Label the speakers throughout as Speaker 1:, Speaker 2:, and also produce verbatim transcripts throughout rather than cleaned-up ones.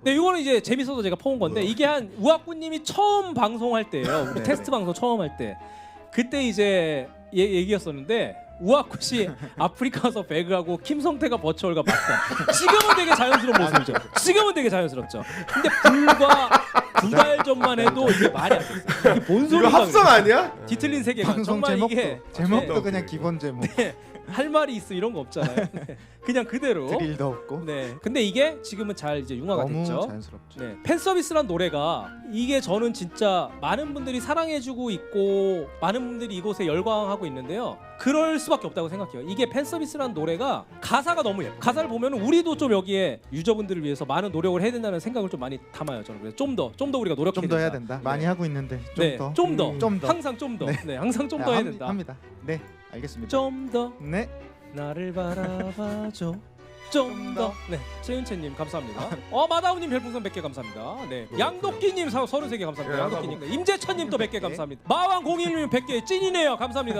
Speaker 1: 네, 이거는 이제 재밌어서 제가 퍼온 건데 이게 한 우악구님이 처음 방송할 때예요. 우리
Speaker 2: 네.
Speaker 1: 테스트 방송 처음 할 때 그때 이제 얘, 얘기였었는데 우악구 씨 아프리카에서 배그하고 김성태가 버추얼과 맞다. 지금은 되게 자연스러운 모습이죠. 지금은 되게 자연스럽죠. 근데 불과 두 달 전만 해도 이게 말이 안 됐어요. 이게 뭔
Speaker 3: 이거
Speaker 1: 소리가
Speaker 3: 합성 아니야?
Speaker 1: 뒤틀린 세계관.
Speaker 2: 방송
Speaker 1: 정말
Speaker 2: 제목도
Speaker 1: 이게
Speaker 2: 제목도
Speaker 1: 네.
Speaker 2: 그냥 기본 제목.
Speaker 1: 네, 할 말이 있어 이런 거 없잖아요. 네, 그냥 그대로.
Speaker 2: 드릴도 없고.
Speaker 1: 네. 근데 이게 지금은 잘 이제 융화가
Speaker 2: 너무
Speaker 1: 됐죠.
Speaker 2: 자연스럽죠.
Speaker 1: 네. 팬 서비스란 노래가 이게 저는 진짜 많은 분들이 사랑해주고 있고 많은 분들이 이곳에 열광하고 있는데요. 그럴 수밖에 없다고 생각해요. 이게 팬 서비스란 노래가 가사가 너무 예뻐. 가사를 보면 우리도 좀 여기에 유저분들을 위해서 많은 노력을 해야 된다는 생각을 좀 많이 담아요. 저는 그래서 좀 더, 좀 더 우리가 노력해야
Speaker 2: 좀 더
Speaker 1: 된다.
Speaker 2: 해야 된다.
Speaker 1: 네.
Speaker 2: 많이 하고 있는데 좀
Speaker 1: 네,
Speaker 2: 더.
Speaker 1: 좀 더,
Speaker 2: 음, 좀 더.
Speaker 1: 항상 좀 더,
Speaker 2: 네.
Speaker 1: 네, 항상 좀 더
Speaker 2: 아,
Speaker 1: 해야
Speaker 2: 함-
Speaker 1: 된다.
Speaker 2: 합니다. 네, 알겠습니다.
Speaker 1: 좀 더
Speaker 2: 네.
Speaker 1: 나를 바라봐줘. 좀 더.
Speaker 2: 더.
Speaker 1: 네, 최윤채님 감사합니다. 어 마다우님 별풍선 백 개 감사합니다. 네, 양도끼님 서른세 개 감사합니다.
Speaker 3: 예,
Speaker 1: 양도끼님. 네, 임재천님 또 백 개
Speaker 2: 백 개.
Speaker 1: 감사합니다. 마왕 공일님 백 개 찐이네요. 감사합니다.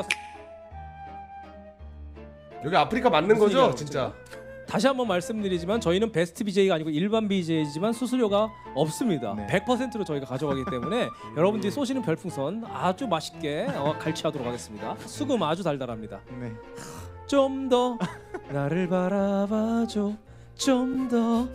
Speaker 3: 여기 아프리카 맞는
Speaker 1: 무슨
Speaker 3: 거죠?
Speaker 1: 얘기하는
Speaker 3: 진짜.
Speaker 1: 다시 한번 말씀드리지만 저희는 베스트 비제이가 아니고 일반 비제이지만 수수료가 없습니다.
Speaker 2: 네.
Speaker 1: 백 퍼센트로 저희가 가져가기 때문에 여러분들이 쏘시는 별풍선 아주 맛있게 어, 갈취하도록 하겠습니다. 수금 아주 달달합니다.
Speaker 2: 네.
Speaker 1: 좀 더 나를 바라봐줘. 좀 더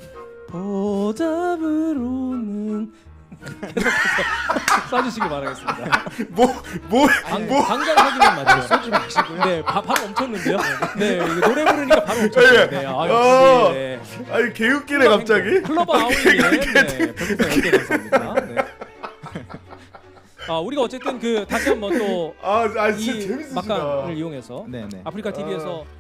Speaker 1: 보답으로는 계속해서 쏴주시기 바라겠습니다.
Speaker 3: 뭐뭐
Speaker 1: 방,
Speaker 3: 뭐?
Speaker 1: 방금 확인은 맞죠?
Speaker 2: 쏘지 마시고요.
Speaker 1: 네, 바, 바로 멈췄는데요. 네, 이거 노래 부르니까 바로 멈췄어요. 네, 아
Speaker 3: 어.
Speaker 1: 역시. 네.
Speaker 3: 아니 개웃기네 갑자기.
Speaker 1: 클로버 아우님, 네, 별풍선 열 개 감사합니다. 네. 아, 우리가 어쨌든 그 다시 한번 또
Speaker 3: 아, 아
Speaker 1: 이
Speaker 3: 진짜 재밌으시다.
Speaker 1: 막간을 이용해서
Speaker 2: 네, 네.
Speaker 1: 아프리카 티비에서